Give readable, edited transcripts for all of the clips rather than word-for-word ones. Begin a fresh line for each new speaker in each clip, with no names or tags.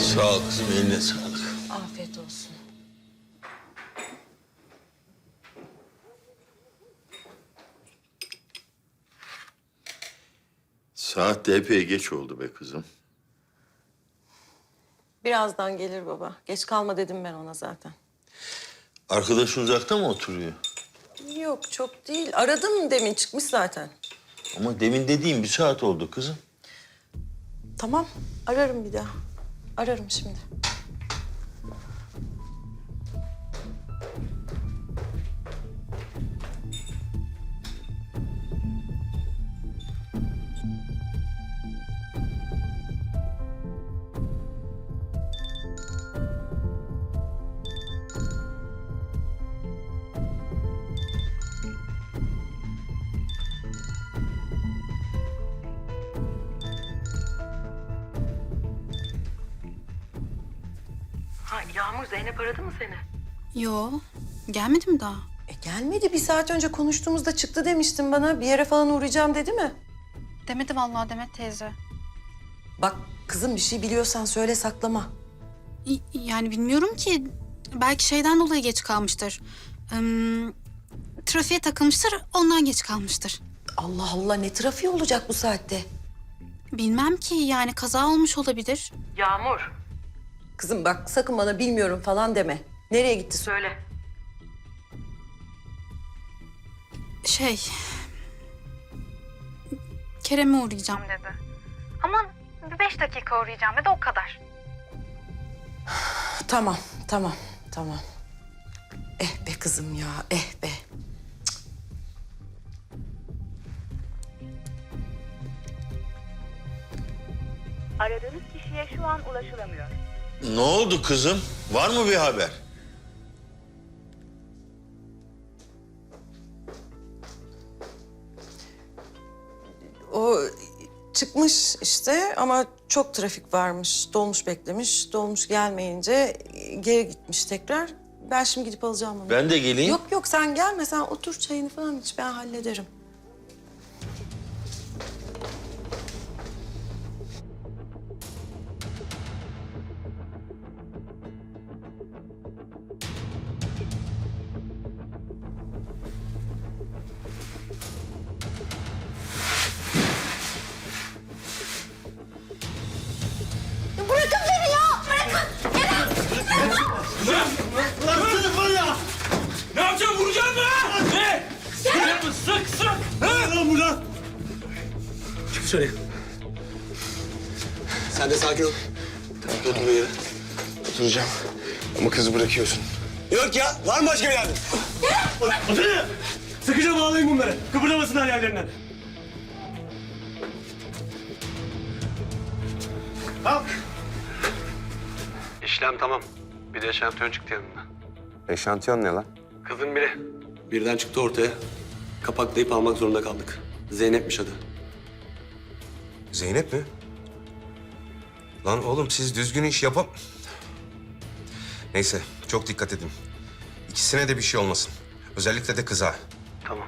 Sağ ol kızım, eline sağlık.
Afiyet olsun.
Saat de epey geç oldu be kızım.
Birazdan gelir baba. Geç kalma dedim ben ona zaten.
Arkadaşın uzakta mı oturuyor?
Yok çok değil. Aradım demin çıkmış zaten.
Ama demin dediğim bir saat oldu kızım.
Tamam ararım bir daha. Ararım şimdi. Ha, Yağmur, Zeynep aradı mı seni?
Yo, gelmedi mi daha?
Gelmedi. Bir saat önce konuştuğumuzda çıktı demiştin bana. Bir yere falan uğrayacağım dedi mi?
Demedi vallahi Demet teyze.
Bak kızım bir şey biliyorsan söyle saklama.
Yani bilmiyorum ki. Belki şeyden dolayı geç kalmıştır. Trafiğe takılmıştır, ondan geç kalmıştır.
Allah Allah ne trafiği olacak bu saatte?
Bilmem ki yani kaza olmuş olabilir.
Yağmur. Kızım bak sakın bana bilmiyorum falan deme. Nereye gitti söyle.
Kerem'e uğrayacağım dedi. Ama bir 5 dakika uğrayacağım dedi o kadar.
Tamam. Eh be kızım ya, eh be.
Aradığınız kişiye şu an ulaşılamıyor.
Ne oldu kızım? Var mı bir haber?
O çıkmış işte ama çok trafik varmış. Dolmuş beklemiş. Dolmuş gelmeyince geri gitmiş tekrar. Ben şimdi gidip alacağım onu.
Ben de geleyim.
Yok sen gelme. Sen otur çayını falan iç. Ben hallederim.
Bırakın beni ya! Bırakın!
Lan var ya!
Ne yapacaksın? Vuracaksın mı ha? Ne? Sık mı? Sık! Ha?
Lan buradan!
Çık dışarıya.
Sen de sakin ol. Tamam, otur yere. Oturacağım. Ama kızı bırakıyorsun. Yok ya, var mı başka bir yardım?
Otur ya! Sıkıca bağlayın bunları. Kıpırdamasınlar yerlerinden.
Kalk!
İşlem tamam. Bir de eşantiyon çıktı yanında.
Eşantiyon ne lan?
Kızın biri. Birden çıktı ortaya. Kapaklayıp almak zorunda kaldık. Zeynep'miş adı.
Zeynep mi? Lan oğlum siz düzgün iş yapam... Neyse, çok dikkat edin. İkisine de bir şey olmasın. Özellikle de kıza.
Tamam.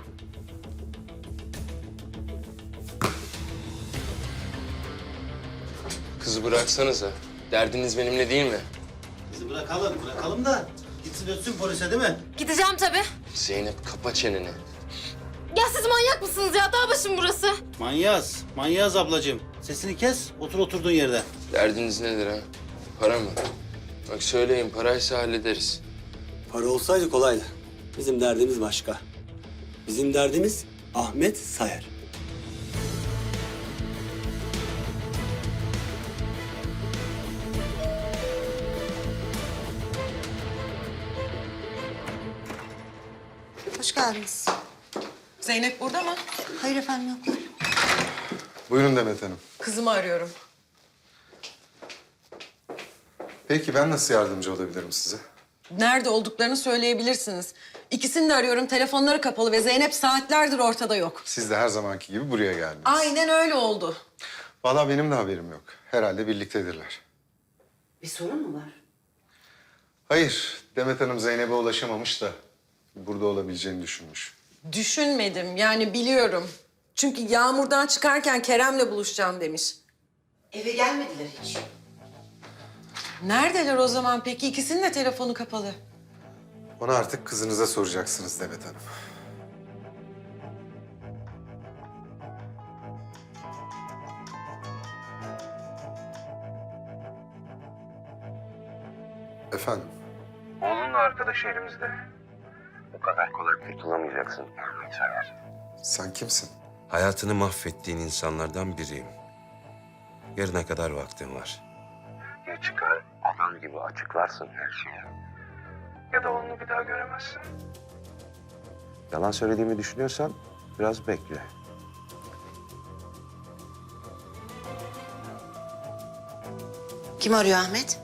Kızı bıraksanıza. Derdiniz benimle değil mi?
Bizi bırakalım da gitsin ötsün polise değil mi?
Gideceğim tabii.
Zeynep kapa çeneni.
Ya siz manyak mısınız ya? Dağ başım burası.
Manyaz ablacığım. Sesini kes, otur oturduğun yerde.
Derdiniz nedir ha? Para mı? Bak söyleyin, paraysa hallederiz.
Para olsaydı kolaydı. Bizim derdimiz başka. Bizim derdimiz Ahmet Sayar.
Hoş geldiniz. Zeynep burada mı?
Hayır efendim yoklar.
Buyurun Demet Hanım.
Kızımı arıyorum.
Peki ben nasıl yardımcı olabilirim size?
Nerede olduklarını söyleyebilirsiniz. İkisini de arıyorum. Telefonları kapalı ve Zeynep saatlerdir ortada yok.
Siz de her zamanki gibi buraya geldiniz.
Aynen öyle oldu.
Vallahi benim de haberim yok. Herhalde birliktedirler.
Bir sorun mu var?
Hayır, Demet Hanım Zeynep'e ulaşamamış da burada olabileceğini düşünmüş.
Düşünmedim. Yani biliyorum. Çünkü Yağmur'dan çıkarken Kerem'le buluşacağım demiş.
Eve gelmediler hiç.
Neredeler o zaman peki? İkisinin de telefonu kapalı.
Onu artık kızınıza soracaksınız Demet Hanım. Efendim?
Oğlunla arkadaşı elimizde. Bu kadar kolay kurtulamayacaksın Ahmet Sayar.
Sen kimsin?
Hayatını mahvettiğin insanlardan biriyim. Yarına kadar vaktin var. Ya çıkar adam gibi açıklarsın her şeyi. Ya da onu bir daha göremezsin. Yalan söylediğimi düşünüyorsan biraz bekle.
Kim arıyor Ahmet?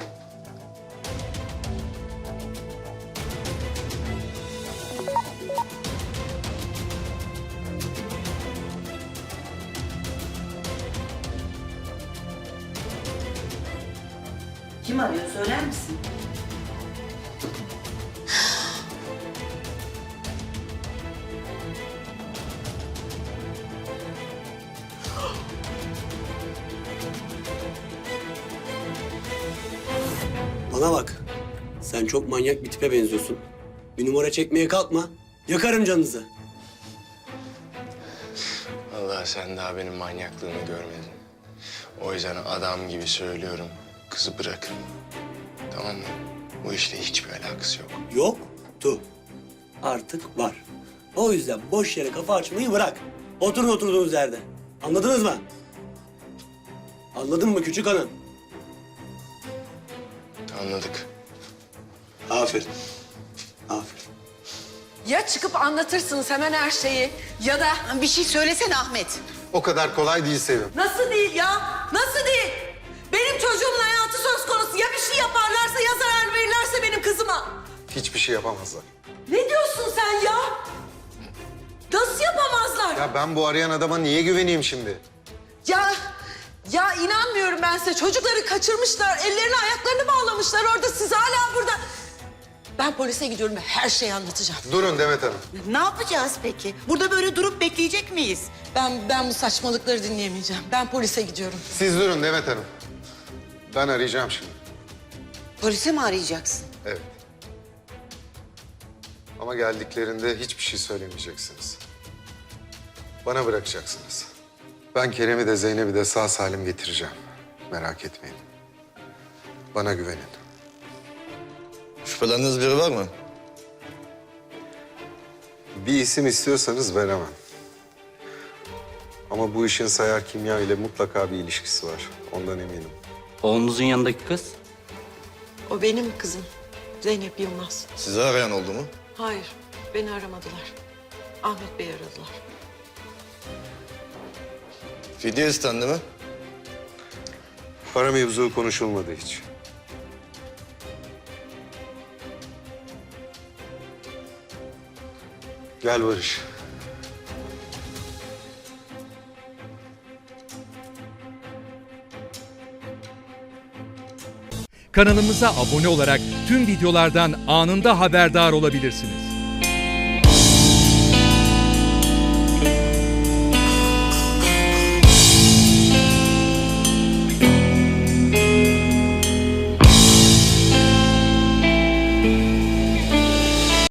Kim arıyor söyler misin?
Bana bak. Sen çok manyak bir tipe benziyorsun. Bir numara çekmeye kalkma. Yakarım canınızı.
Vallahi sen daha benim manyaklığımı görmedin. O yüzden adam gibi söylüyorum. Kızı bırakın. Tamam mı? Bu işle hiçbir alakası yok.
Yoktu. Artık var. O yüzden boş yere kafa açmayı bırak. Oturun oturduğunuz yerde. Anladınız mı? Anladın mı küçük hanım?
Anladık.
Aferin. Aferin.
Ya çıkıp anlatırsınız hemen her şeyi ya da...
Bir şey söylesene Ahmet.
O kadar kolay değil Sevim.
Nasıl değil ya? Nasıl değil? Benim çocuğumun hayatı söz konusu. Ya bir şey yaparlarsa ya zarar verirlerse benim kızıma.
Hiçbir şey yapamazlar.
Ne diyorsun sen ya? Nasıl yapamazlar?
Ya ben bu arayan adama niye güveneyim şimdi?
Ya inanmıyorum ben size. Çocukları kaçırmışlar, ellerini ayaklarını bağlamışlar orada. Siz hala burada. Ben polise gidiyorum ve her şeyi anlatacağım.
Durun Demet Hanım.
Ne yapacağız peki? Burada böyle durup bekleyecek miyiz?
Ben bu saçmalıkları dinleyemeyeceğim. Ben polise gidiyorum.
Siz durun Demet Hanım. Ben arayacağım şimdi.
Polise mi arayacaksın?
Evet. Ama geldiklerinde hiçbir şey söylemeyeceksiniz. Bana bırakacaksınız. Ben Kerem'i de Zeynep'i de sağ salim getireceğim. Merak etmeyin. Bana güvenin.
Şüphelendiğiniz biri var mı?
Bir isim istiyorsanız veremem. Ama bu işin Sayar Kimya ile mutlaka bir ilişkisi var. Ondan eminim.
Oğlunuzun yanındaki kız?
O benim kızım. Zeynep Yılmaz.
Sizi arayan oldu mu?
Hayır, beni aramadılar. Ahmet Bey aradılar.
Fidye istendi mi?
Para mevzu konuşulmadı hiç. Gel Barış.
Kanalımıza abone olarak tüm videolardan anında haberdar olabilirsiniz.